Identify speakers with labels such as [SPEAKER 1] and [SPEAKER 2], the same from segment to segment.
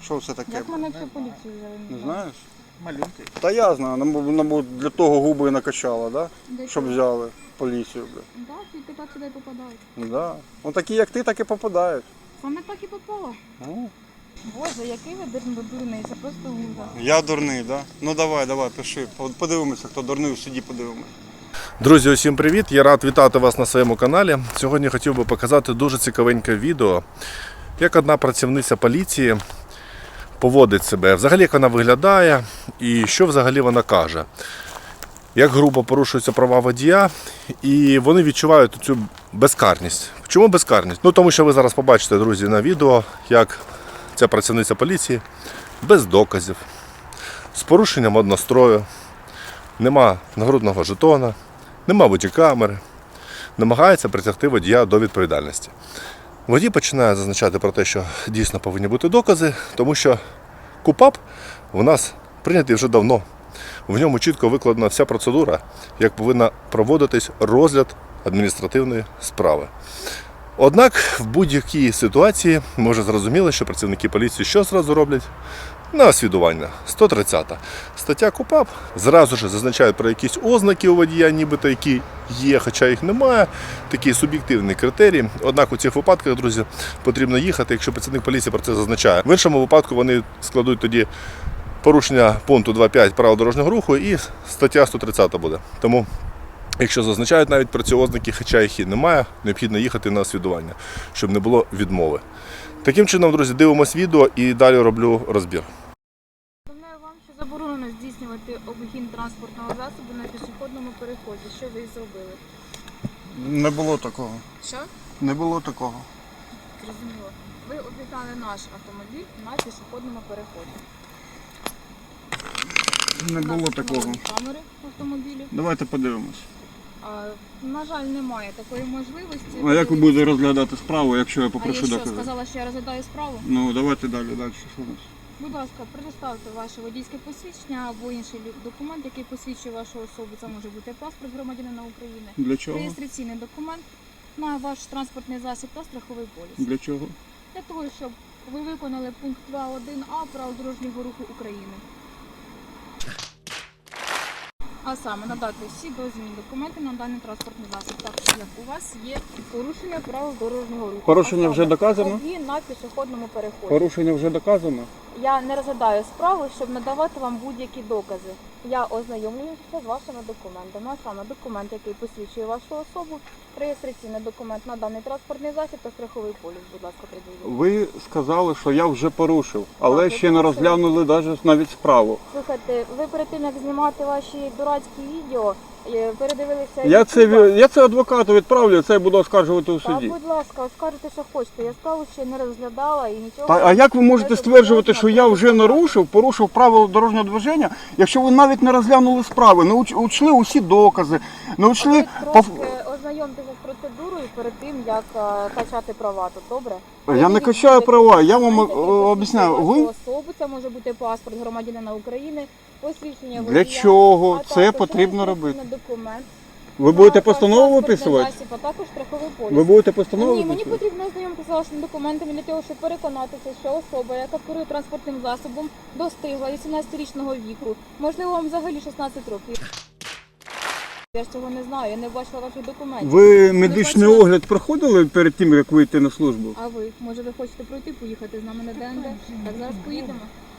[SPEAKER 1] Що це таке?
[SPEAKER 2] Як мене всю поліцію взяли?
[SPEAKER 1] Не знаєш?
[SPEAKER 3] Малюнки.
[SPEAKER 1] Та я знаю, мабуть, для того губи накачала, да?
[SPEAKER 2] Де
[SPEAKER 1] Щоб
[SPEAKER 2] чого?
[SPEAKER 1] взяли поліцію.
[SPEAKER 2] Да, тільки так сюди попадають.
[SPEAKER 1] Да. Ну такі, як ти, так і попадають.
[SPEAKER 2] Саме так і попало.
[SPEAKER 1] Ну.
[SPEAKER 2] Боже, який ви дурний, це просто ужас.
[SPEAKER 1] Я дурний, да? Ну давай, пиши. Подивимося, хто дурний, у суді подивимося.
[SPEAKER 4] Друзі, усім привіт! Я рад вітати вас на своєму каналі. Сьогодні хотів би показати дуже цікавеньке відео, як одна працівниця поліції поводить себе, взагалі як вона виглядає і що взагалі вона каже. Як грубо порушуються права водія, і вони відчувають цю безкарність. Чому безкарність? Ну тому що ви зараз побачите, друзі, на відео, як ця працівниця поліції без доказів, з порушенням однострою, нема нагрудного жетона, нема бодікамери, намагається притягти водія до відповідальності. Водій починає зазначати про те, що дійсно повинні бути докази, тому що КУПАП у нас прийнятий вже давно. В ньому чітко викладена вся процедура, як повинна проводитись розгляд адміністративної справи. Однак в будь-якій ситуації ми вже зрозуміли, що працівники поліції що зразу роблять? На освідування. 130 стаття КУПАП. Зразу ж зазначають про якісь ознаки у водія, нібито які є, хоча їх немає. Такий суб'єктивний критерій. Однак у цих випадках, друзі, потрібно їхати, якщо працівник поліції про це зазначає. В іншому випадку вони складуть тоді порушення пункту 2.5 правил дорожнього руху і стаття 130 буде. Тому, якщо зазначають навіть про ці ознаки, хоча їх і немає, необхідно їхати на освідування, щоб не було відмови. Таким чином, друзі, дивимось відео і далі роблю розбір.
[SPEAKER 2] Повідомляю вам, що заборонено здійснювати обгін транспортного засобу на пішохідному переході. Що ви зробили?
[SPEAKER 1] Не було такого.
[SPEAKER 2] Що?
[SPEAKER 1] Не було такого.
[SPEAKER 2] Зрозуміло. Ви обігнали наш автомобіль на пішохідному переході.
[SPEAKER 1] Не
[SPEAKER 2] У нас
[SPEAKER 1] було
[SPEAKER 2] встановлені
[SPEAKER 1] такого.
[SPEAKER 2] камери в автомобілі.
[SPEAKER 1] Давайте подивимось.
[SPEAKER 2] На жаль, немає такої можливості.
[SPEAKER 1] А як ви будете розглядати справу, якщо я
[SPEAKER 2] А я
[SPEAKER 1] попрошу
[SPEAKER 2] що,
[SPEAKER 1] докази?
[SPEAKER 2] сказала, що я розглядаю справу?
[SPEAKER 1] Ну, давайте далі, що у нас?
[SPEAKER 2] Будь ласка, предоставте ваше водійське посвідчення або інший документ, який посвідчує вашу особу. Це може бути паспорт громадянина України,
[SPEAKER 1] Для чого?
[SPEAKER 2] реєстраційний документ на ваш транспортний засіб та страховий поліс.
[SPEAKER 1] Для чого?
[SPEAKER 2] Для того, щоб ви виконали пункт 2.1а правил дорожнього руху України. А саме надати всі дозвільні документи на даний транспортний засіб, так як у вас є порушення правил дорожнього руху.
[SPEAKER 1] Порушення
[SPEAKER 2] А
[SPEAKER 1] вже
[SPEAKER 2] саме
[SPEAKER 1] доказано?
[SPEAKER 2] обгін на пішохідному переході.
[SPEAKER 1] Порушення вже доказано?
[SPEAKER 2] Я не розглядаю справу, щоб надавати вам будь-які докази. Я ознайомлююся з вашими документами, а саме документ, який посвідчує вашу особу, реєстраційний документ на даний транспортний засіб та страховий поліс, будь ласка, приділіть.
[SPEAKER 1] Ви сказали, що я вже порушив, але
[SPEAKER 2] Так,
[SPEAKER 1] ще
[SPEAKER 2] ви
[SPEAKER 1] не
[SPEAKER 2] порушили.
[SPEAKER 1] розглянули навіть справу.
[SPEAKER 2] Слухайте, ви перед тим, як знімати ваші дурацькі відео, передивилися...
[SPEAKER 1] Я це адвокату відправлю, це я буду оскаржувати у
[SPEAKER 2] Так,
[SPEAKER 1] суді.
[SPEAKER 2] будь ласка, оскаржуйте, що хочете. Я справу ще не розглядала і нічого...
[SPEAKER 1] А як ви можете стверджувати, що я вже порушив правила дорожнього движення, якщо ви навіть не розглянули справи, не учли усі докази, не учли...
[SPEAKER 2] Ви трошки ознайомтеся з процедурою перед тим, як качати права, то добре?
[SPEAKER 1] Я не качаю права, я вам об'ясняю. Ви...
[SPEAKER 2] Особу, це може бути паспорт громадянина України, посвідчення водія.
[SPEAKER 1] Для чого
[SPEAKER 2] а
[SPEAKER 1] це
[SPEAKER 2] також
[SPEAKER 1] потрібно
[SPEAKER 2] реєстраційний
[SPEAKER 1] робити?
[SPEAKER 2] документ.
[SPEAKER 1] Ви будете
[SPEAKER 2] на
[SPEAKER 1] постанову
[SPEAKER 2] транспортний
[SPEAKER 1] виписувати?
[SPEAKER 2] засіб, а також страховий поліс.
[SPEAKER 1] Ви будете постанову
[SPEAKER 2] Ні, мені
[SPEAKER 1] виписувати?
[SPEAKER 2] потрібно ознайомитися з вашими документами для того, щоб переконатися, що особа, яка керує транспортним засобом, достигла 18-річного віку. Можливо, вам взагалі 16 років. Я ж цього не знаю, я не бачила ваших документів.
[SPEAKER 1] Ви медичний
[SPEAKER 2] бачила?
[SPEAKER 1] огляд проходили перед тим, як вийти на службу?
[SPEAKER 2] А ви? Може ви хочете пройти, поїхати з нами на ДНД? Так зараз поїдемо.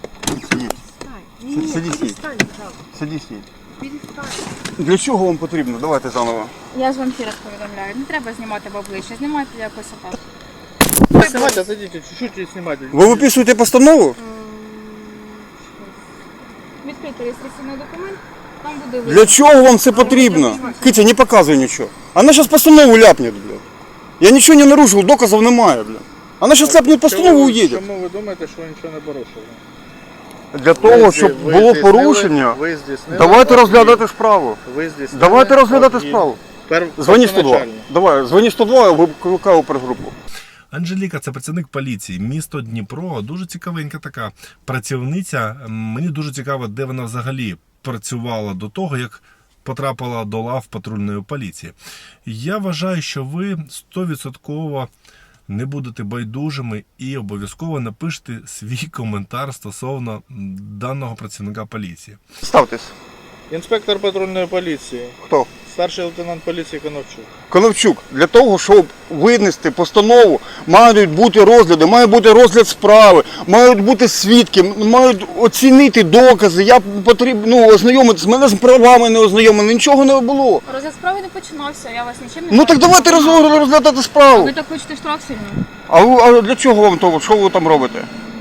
[SPEAKER 1] Сидіть. Для чого вам потрібно? Давайте заново.
[SPEAKER 2] Я ж вам ще раз повідомляю, не треба знімати в обличчя, знімайте якось отак.
[SPEAKER 3] Не снимайте, а зайдите, чуть-чуть и снимайте.
[SPEAKER 1] Ви виписуєте постанову?
[SPEAKER 2] Відкрити реєстраційний документ, там буде
[SPEAKER 1] Для чого вам це потрібно? Китя, не показуй нічого. Вона зараз постанову ляпне, блядь. Я нічого не нарушив, доказів немає, блядь. Вона зараз ляпне постанову і уїде.
[SPEAKER 3] Чому ви думаєте, що ви нічого не порушили?
[SPEAKER 1] Для того, щоб було порушення,
[SPEAKER 3] ви здійснили
[SPEAKER 1] давайте
[SPEAKER 3] обгін.
[SPEAKER 1] розглядати справу.
[SPEAKER 3] Ви здійснили
[SPEAKER 1] Давайте розглядати
[SPEAKER 3] обгін.
[SPEAKER 1] справу.
[SPEAKER 3] Дзвоні
[SPEAKER 1] Дзвони 102. Давай, дзвони 102, я викликаю опергрупу.
[SPEAKER 4] Анжеліка – це працівник поліції, місто Дніпро, дуже цікавенька така працівниця. Мені дуже цікаво, де вона взагалі працювала до того, як потрапила до лав патрульної поліції. Я вважаю, що ви 100% не будете байдужими і обов'язково напишіть свій коментар стосовно даного працівника поліції.
[SPEAKER 1] Ставтесь.
[SPEAKER 3] Інспектор патрульної поліції.
[SPEAKER 1] Хто?
[SPEAKER 3] Старший лейтенант поліції Коновчук.
[SPEAKER 1] Коновчук, для того, щоб винести постанову, мають бути розгляди, має бути розгляд справи, мають бути свідки, мають оцінити докази. Я потрібно ознайомитися, мене з правами не ознайомили, нічого не було.
[SPEAKER 2] Розгляд справи не починався, я вас нічим не
[SPEAKER 1] Ну так давайте розглядати справу.
[SPEAKER 2] Ви так хочете штраф сильно?
[SPEAKER 1] А для чого вам того? Що ви там робите?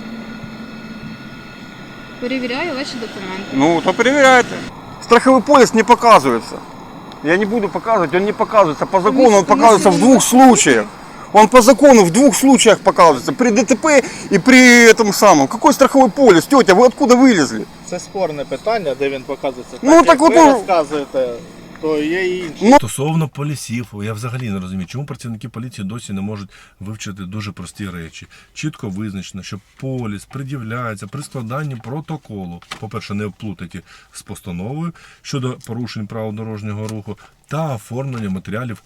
[SPEAKER 2] Перевіряю ваші документи.
[SPEAKER 1] Ну, то перевіряйте. Страховий полис не показывается. Я не буду показывать, он не показывается. По закону он показывается в двух случаях. Он по закону в двух случаях показывается. При ДТП и при этом самом. Какой страховой полис? Тетя, вы откуда вылезли?
[SPEAKER 3] Це спорне питання, де він показується.
[SPEAKER 1] Ну,
[SPEAKER 3] так,
[SPEAKER 1] так
[SPEAKER 3] як
[SPEAKER 1] от
[SPEAKER 3] ви
[SPEAKER 1] он-
[SPEAKER 3] розказуєте, то є і інші.
[SPEAKER 1] Ну,
[SPEAKER 4] Стосовно полісів, я взагалі не розумію, чому працівники поліції досі не можуть вивчити дуже прості речі. Чітко визначено, що поліс пред'являється при складанні протоколу. По-перше, не вплутаті з постановою щодо порушень правил дорожнього руху та оформлення матеріалів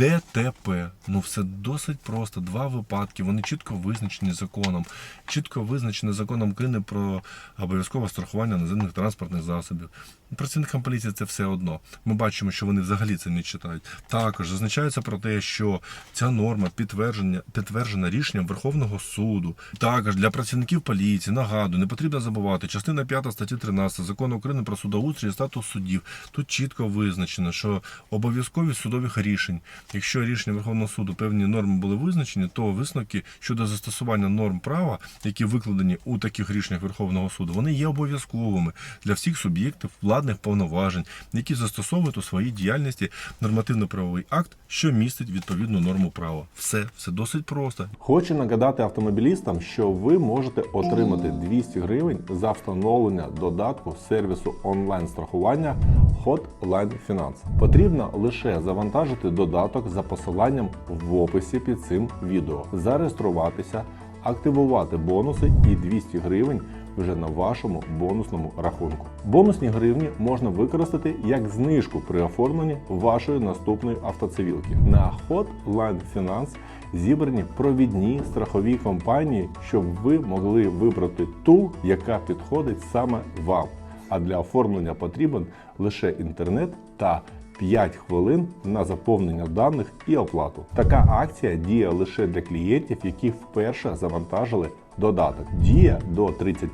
[SPEAKER 4] ДТП. Ну все досить просто. Два випадки, вони чітко визначені законом. Чітко визначені законом України про обов'язкове страхування наземних транспортних засобів. Працівникам поліції це все одно. Ми бачимо, що вони взагалі це не читають. Також зазначається про те, що ця норма підтверджена рішенням Верховного суду. Також для працівників поліції, нагадую, не потрібно забувати, частина 5 статті 13 Закону України про судоустрій і статус суддів. Тут чітко визначено, що обов'язковість судових рішень. Якщо рішення Верховного суду певні норми були визначені, то висновки щодо застосування норм права, які викладені у таких рішеннях Верховного суду, вони є обов'язковими для всіх суб'єктів владних повноважень, які застосовують у своїй діяльності нормативно-правовий акт, що містить відповідну норму права. Все досить просто.
[SPEAKER 5] Хочу нагадати автомобілістам, що ви можете отримати 200 гривень за встановлення додатку сервісу онлайн-страхування Hotline Finance. Потрібно лише завантажити додаток за посиланням в описі під цим відео, зареєструватися, активувати бонуси і 200 гривень вже на вашому бонусному рахунку. Бонусні гривні можна використати як знижку при оформленні вашої наступної автоцивілки. На Hotline Finance зібрані провідні страхові компанії, щоб ви могли вибрати ту, яка підходить саме вам. А для оформлення потрібен лише інтернет та 5 хвилин на заповнення даних і оплату. Така акція діє лише для клієнтів, які вперше завантажили додаток. Діє до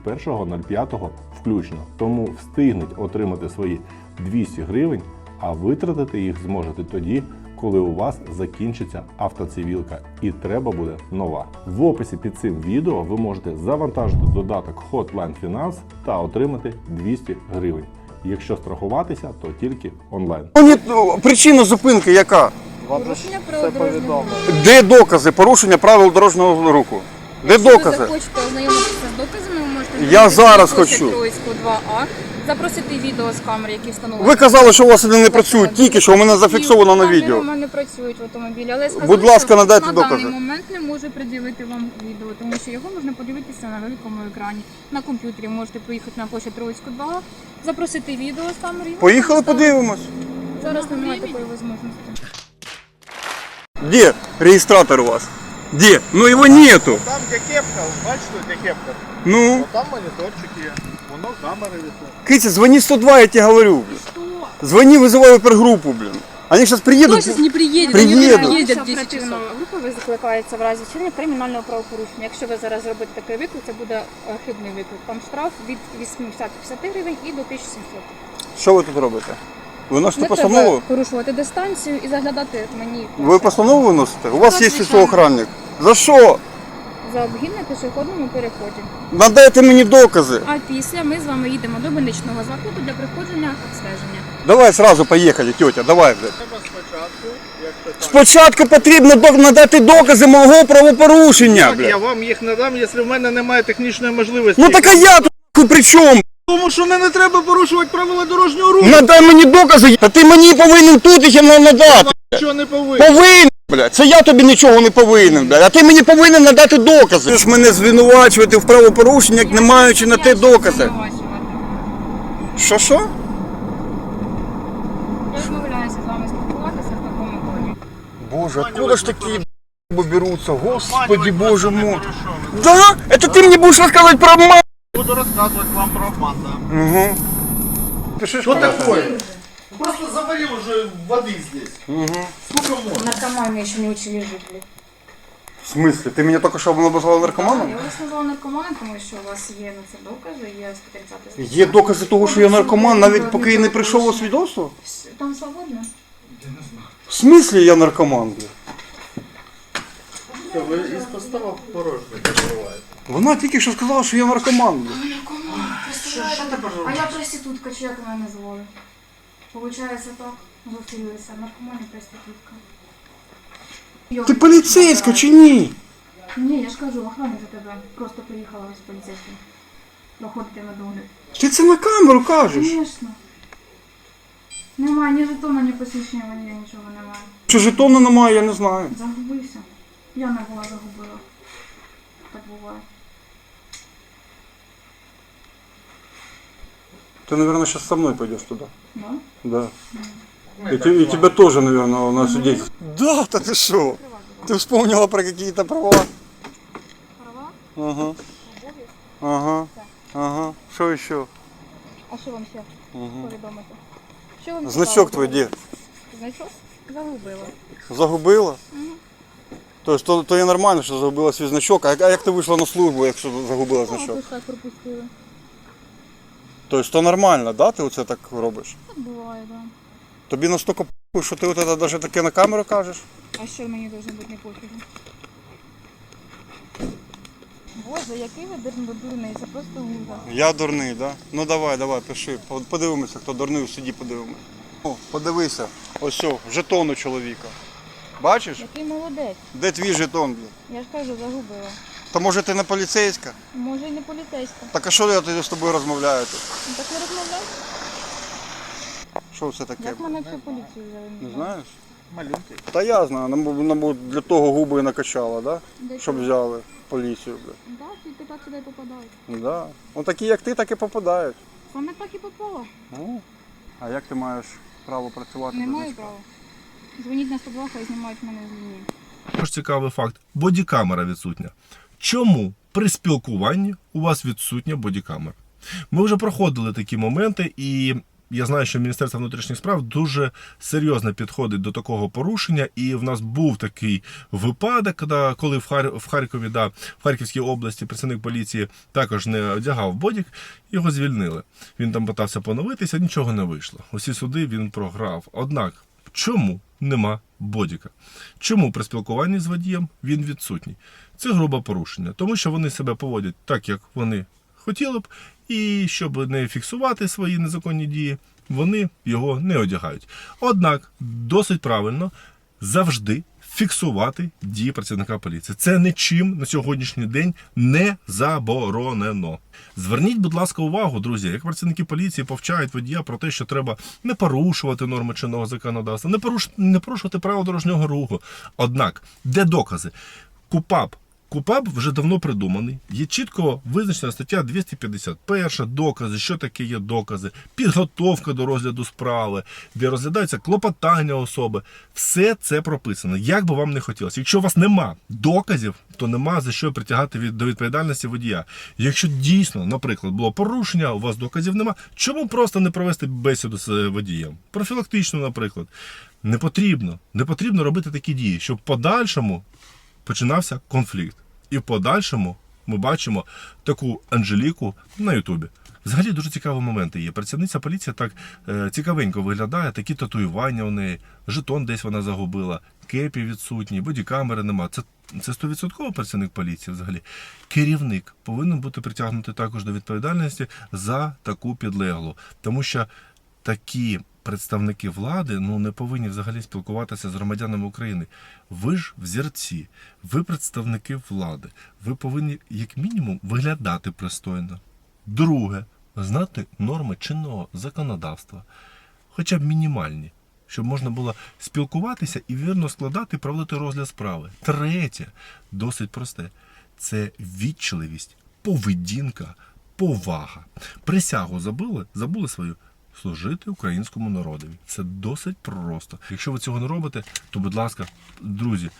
[SPEAKER 5] 31.05 включно. Тому встигнуть отримати свої 200 гривень, а витратити їх зможете тоді, коли у вас закінчиться автоцивілка і треба буде нова. В описі під цим відео ви можете завантажити додаток Hotline Finance та отримати 200 гривень. Якщо страхуватися, то тільки онлайн.
[SPEAKER 1] Причина зупинки яка?
[SPEAKER 3] Вам
[SPEAKER 2] Порушення
[SPEAKER 3] все
[SPEAKER 2] правил дорожнього
[SPEAKER 3] повідомо.
[SPEAKER 2] руху.
[SPEAKER 1] Де докази порушення правил дорожнього руху? Де
[SPEAKER 2] Якщо ви
[SPEAKER 1] докази?
[SPEAKER 2] захочете ознайомитися з доказами, ви можете
[SPEAKER 1] Я
[SPEAKER 2] звернутися
[SPEAKER 1] зараз
[SPEAKER 2] на площадь
[SPEAKER 1] хочу.
[SPEAKER 2] Троїцьку 2А, запросити відео з камери, які встановлені.
[SPEAKER 1] Ви казали, що у вас вони не працюють, тільки що у мене зафіксовано на відео.
[SPEAKER 2] У мене працюють в автомобілі, але я сказала,
[SPEAKER 1] Будь ласка,
[SPEAKER 2] що
[SPEAKER 1] надайте
[SPEAKER 2] на
[SPEAKER 1] докази.
[SPEAKER 2] даний момент не можу пред'явити вам відео, тому що його можна подивитися на великому екрані. На комп'ютері можете поїхати на площадь Троїцьку 2А, запросити відео з камери. і
[SPEAKER 1] Поїхали,
[SPEAKER 2] можна
[SPEAKER 1] подивимось.
[SPEAKER 2] Зараз немає такої можливості.
[SPEAKER 1] Де реєстратор у вас? Де? Ну його нету.
[SPEAKER 3] Там, де кепка, бачите, де кепка?
[SPEAKER 1] Ну,
[SPEAKER 3] От там моніторчик є, воно камери висить.
[SPEAKER 1] Китя, звони 102, я тебе говорю, блин.
[SPEAKER 2] Що?
[SPEAKER 1] Звони, вызывай опергруппу, блин. Они сейчас приедут.
[SPEAKER 6] Кто сейчас не приедет?
[SPEAKER 1] Приедут.
[SPEAKER 6] Они приедут в 10
[SPEAKER 2] Оперативна
[SPEAKER 6] часов.
[SPEAKER 2] група викликається в разі вчинення кримінального правопорушення. Якщо ви зараз зробите такий виклик, це буде хибний виклик. Там штраф від 850 гривень і до 1700.
[SPEAKER 1] Що ви тут робите? Ви носите
[SPEAKER 2] Не
[SPEAKER 1] постанову?
[SPEAKER 2] треба порушувати дистанцію і заглядати мені.
[SPEAKER 1] Ви постанову виносите? У вас
[SPEAKER 2] Так,
[SPEAKER 1] є
[SPEAKER 2] звичайно.
[SPEAKER 1] охранник. За що?
[SPEAKER 2] За обгін на пішохідному переході.
[SPEAKER 1] Надайте мені докази.
[SPEAKER 2] А після ми з вами їдемо до больничного закладу для проходження обстеження.
[SPEAKER 1] Давай сразу поїхали, тетя, давай, блядь.
[SPEAKER 3] Треба спочатку, якщо так.
[SPEAKER 1] Спочатку потрібно надати докази мого правопорушення,
[SPEAKER 3] Я
[SPEAKER 1] блядь.
[SPEAKER 3] вам їх надам, якщо в мене немає технічної можливості.
[SPEAKER 1] Ну так а я тут при чому?
[SPEAKER 3] Тому що не треба порушувати правила дорожнього руху.
[SPEAKER 1] Надай мені докази, та ти мені повинен тут їх надати.
[SPEAKER 3] Що не повинен.
[SPEAKER 1] Повинен, блядь. Це я тобі нічого не повинен, блядь. А ти мені повинен надати докази. Ти ж мене звинувачувати в правопорушеннях, не маючи на те докази. Що?
[SPEAKER 2] Я відмовляюся з вами спілкуватися в такому тоні.
[SPEAKER 1] Боже, откуда ж такі берутся, господи,
[SPEAKER 3] Обманывать
[SPEAKER 1] боже
[SPEAKER 3] вас не
[SPEAKER 1] мой.
[SPEAKER 3] буду, що ви.
[SPEAKER 1] Да? Это ты мне будешь рассказывать про обман?
[SPEAKER 3] Буду розказувати вам про обман, да.
[SPEAKER 1] Угу. Пиши,
[SPEAKER 3] Что такое? Просто заварил уже воды здесь.
[SPEAKER 1] Угу.
[SPEAKER 3] Сколько можно?
[SPEAKER 2] Наркомани ще не учили жити.
[SPEAKER 1] В смысле? Ты меня только что назвал наркоманом?
[SPEAKER 2] Я вас назвала наркоманом, тому що у вас є на це докази, є 130
[SPEAKER 1] Є докази того, що я наркоман, навіть поки я не прийшов у свідоцтво?
[SPEAKER 2] Там свободно?
[SPEAKER 1] В смислі я наркоман, бля?
[SPEAKER 3] Ви із поставок порожньо перебуваєте.
[SPEAKER 1] Вона тільки що сказала, що я наркоман, бля.
[SPEAKER 3] Що ти пожалуйста?
[SPEAKER 2] А я проститутка, чи як мене назвали? Получається так, зустрілися, наркоман і проститутка.
[SPEAKER 1] Ти поліцейська чи ні?
[SPEAKER 2] Ні, я ж кажу, охорона за тебе. Просто приїхала з поліцейським. Проходити на догляд.
[SPEAKER 1] Ти це на камеру кажеш?
[SPEAKER 2] Звісно. Немає ні жетона, ні посвідчення водія, нічого немає.
[SPEAKER 1] Чи жетона немає, я не знаю.
[SPEAKER 2] Загубився. Я не була загубила. Так буває.
[SPEAKER 1] Ты, наверное, сейчас со мной пойдешь туда.
[SPEAKER 2] Да?
[SPEAKER 1] Да. И тебя тоже, наверное, на свидетельство. Да, да ты что? Ты вспомнила про какие-то права?
[SPEAKER 2] Права?
[SPEAKER 1] Ага,
[SPEAKER 2] Обов'язки?
[SPEAKER 1] ага, ага. Что еще?
[SPEAKER 2] А що вам ще
[SPEAKER 1] Угу.
[SPEAKER 2] повідомити? Що вам
[SPEAKER 1] Значок
[SPEAKER 2] цікаво?
[SPEAKER 1] твой где?
[SPEAKER 2] Значок? Загубила.
[SPEAKER 1] Загубила? То є нормально, що загубила свій значок. А як ти вийшла на службу, якщо загубила значок?
[SPEAKER 2] Ось так пропустили.
[SPEAKER 1] Тобто то нормально, да? Ти оце так робиш?
[SPEAKER 2] Так буває, да.
[SPEAKER 1] Тобі настільки похуй, що ти от це навіть таке на камеру кажеш?
[SPEAKER 2] А що мені должно бути не пофігу? Боже, який ви дурний, це просто ужас.
[SPEAKER 1] Я дурний, да? Ну давай, пиши. Подивимося, хто дурний, у суді подивимося. О, подивися, ось що, жетон у чоловіка. Бачиш?
[SPEAKER 2] Який молодець.
[SPEAKER 1] Де твій жетон, блін?
[SPEAKER 2] Я ж кажу, загубила.
[SPEAKER 1] Та може ти не поліцейська?
[SPEAKER 2] Може і не поліцейська.
[SPEAKER 1] Так а що я тоді з тобою розмовляю тут?
[SPEAKER 2] Ну так не розмовляй.
[SPEAKER 1] Що це таке?
[SPEAKER 2] Як мене всю поліцію взяли?
[SPEAKER 1] Не знаєш?
[SPEAKER 3] Малюнки.
[SPEAKER 1] Та я знаю, нам для того губи і накачала, да?
[SPEAKER 2] Де
[SPEAKER 1] Щоб
[SPEAKER 2] чого?
[SPEAKER 1] взяли поліцію, блін.
[SPEAKER 2] Так, тільки так сюди й попадають.
[SPEAKER 1] Да. Ну такі як ти, так і попадають.
[SPEAKER 2] Саме так і попала.
[SPEAKER 1] Ну, а як ти маєш право працювати?
[SPEAKER 2] Не
[SPEAKER 1] без
[SPEAKER 2] маю
[SPEAKER 1] значка?
[SPEAKER 2] права. Дзвоніть на 102, хай знімають мене з лінії.
[SPEAKER 4] Також цікавий факт. Бодікамера відсутня. Чому при спілкуванні у вас відсутня бодікамера? Ми вже проходили такі моменти, і я знаю, що Міністерство внутрішніх справ дуже серйозно підходить до такого порушення. І в нас був такий випадок, коли в Харкові, в Харківській області працівник поліції також не одягав бодік, його звільнили. Він там питався поновитися, нічого не вийшло. Усі суди він програв. Однак, чому нема бодіка? Чому при спілкуванні з водієм він відсутній? Це грубе порушення, тому що вони себе поводять так, як вони хотіли б, і щоб не фіксувати свої незаконні дії, вони його не одягають. Однак, досить правильно завжди фіксувати дії працівника поліції. Це нічим на сьогоднішній день не заборонено. Зверніть, будь ласка, увагу, друзі, як працівники поліції повчають водія про те, що треба не порушувати норми чинного законодавства, не порушувати правила дорожнього руху. Однак, де докази? КУПАП вже давно придуманий. Є чітко визначена стаття 251, докази, що таке є докази, підготовка до розгляду справи, де розглядаються клопотання особи. Все це прописано, як би вам не хотілося. Якщо у вас нема доказів, то нема за що притягати до відповідальності водія. Якщо дійсно, наприклад, було порушення, у вас доказів нема, чому просто не провести бесіду з водієм? Профілактично, наприклад. Не потрібно робити такі дії, щоб в подальшому починався конфлікт. І в подальшому ми бачимо таку Анжеліку на Ютубі. Взагалі дуже цікаві моменти є. Працівниця поліції так цікавенько виглядає, такі татуювання у неї, жетон десь вона загубила, кепі відсутні, бодікамери нема. Це 100% працівник поліції взагалі. Керівник повинен бути притягнутий також до відповідальності за таку підлеглу. Тому що такі представники влади не повинні взагалі спілкуватися з громадянами України. Ви ж взірці, ви представники влади. Ви повинні, як мінімум, виглядати пристойно. Друге, знати норми чинного законодавства. Хоча б мінімальні, щоб можна було спілкуватися і вірно складати і проводити розгляд справи. Третє, досить просте, це ввічливість, поведінка, повага. Присягу забули свою? Служити українському народові. Це досить просто. Якщо ви цього не робите, то, будь ласка, друзі,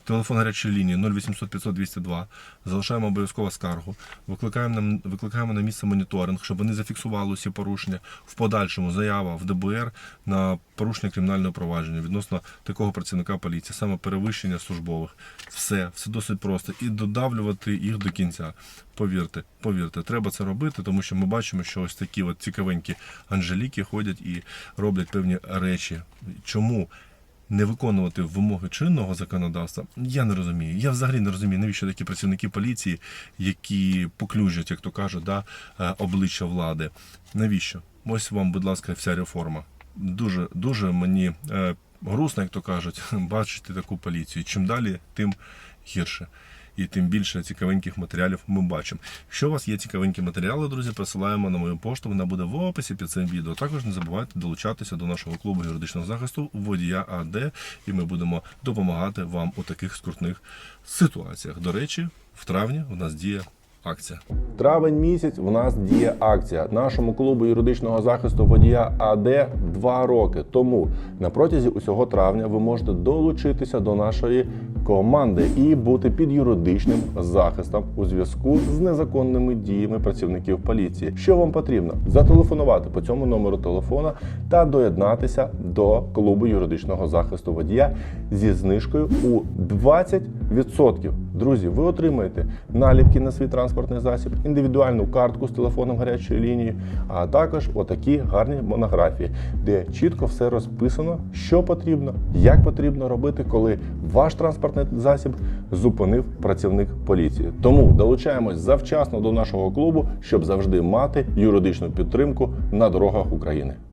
[SPEAKER 4] Телефон гарячої лінії 0800 500 202. Залишаємо обов'язково скаргу. Викликаємо на місце моніторинг, щоб вони зафіксували усі порушення. В подальшому заява в ДБР на порушення кримінального провадження відносно такого працівника поліції, саме перевищення службових. Все досить просто. І додавлювати їх до кінця. Повірте, треба це робити, тому що ми бачимо, що ось такі от цікавенькі Анжеліки ходять і роблять певні речі. Чому не виконувати вимоги чинного законодавства, я не розумію. Я взагалі не розумію, навіщо такі працівники поліції, які поклюжать, як то кажуть, обличчя влади. Навіщо? Ось вам, будь ласка, вся реформа. Дуже мені грустно, як то кажуть, бачити таку поліцію. Чим далі, тим гірше. І тим більше цікавеньких матеріалів ми бачимо. Якщо у вас є цікавенькі матеріали, друзі, присилаємо на мою пошту, вона буде в описі під цим відео. Також не забувайте долучатися до нашого клубу юридичного захисту Водія АД, і ми будемо допомагати вам у таких скрутних ситуаціях. До речі, в травні у нас діє акція.
[SPEAKER 5] Травень місяць в нас діє акція. Нашому клубу юридичного захисту Водія АД 2 роки. Тому на протязі усього травня ви можете долучитися до нашої команди і бути під юридичним захистом у зв'язку з незаконними діями працівників поліції. Що вам потрібно? Зателефонувати по цьому номеру телефона та доєднатися до клубу юридичного захисту водія зі знижкою у 20%. Друзі, ви отримаєте наліпки на свій транспортний засіб, індивідуальну картку з телефоном гарячої лінії, а також отакі гарні монографії, де чітко все розписано, що потрібно, як потрібно робити, коли ваш транспортний засіб зупинив працівник поліції. Тому долучаємось завчасно до нашого клубу, щоб завжди мати юридичну підтримку на дорогах України.